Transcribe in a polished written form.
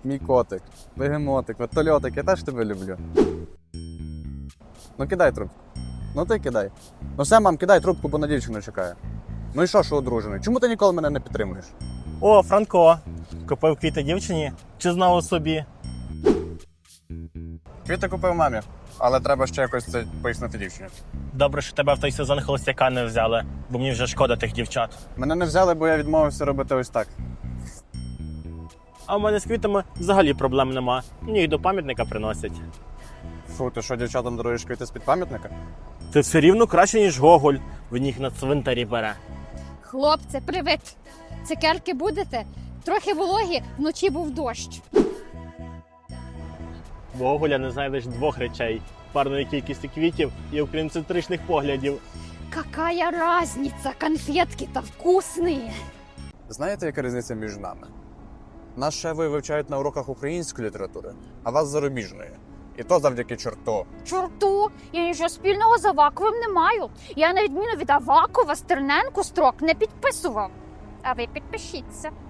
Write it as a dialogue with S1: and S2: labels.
S1: мій котик, бегемотик, вертольотик, я теж тебе люблю. Ну кидай трубку. Ну ти кидай. Ну все, мам, кидай трубку, бо на дівчину чекає. Ну і що одружений? Чому ти ніколи мене не підтримуєш?
S2: О, Франко, купив квіти дівчині чи знову собі?
S1: Квіти купив мамі, але треба ще якось це пояснити дівчині.
S2: Добре, що тебе в той сезон холостяка не взяли, бо мені вже шкода тих дівчат.
S1: Мене не взяли, бо я відмовився робити ось так.
S2: А в мене з квітами взагалі проблем нема. Мені їх до пам'ятника приносять.
S1: Фу, ти що, дівчатам даруєш квіти з-під пам'ятника?
S2: Це все рівно краще, ніж Гоголь. Він їх на цвинтарі бере.
S3: Хлопці, привіт! Цукерки будете? Трохи вологі, вночі був дощ.
S2: В Гоголя не знайдеш двох речей: парної кількості квітів і українцентричних поглядів.
S3: Какая разница, конфетки-то вкусные.
S1: Знаєте, яка різниця між нами? Нас шефи вивчають на уроках української літератури, а вас зарубіжної. І то завдяки чорту.
S3: Чорту, я нічого спільного з Аваковим не маю. Я на відміну від Авакова Стерненку строк не підписував. А ви підпишіться.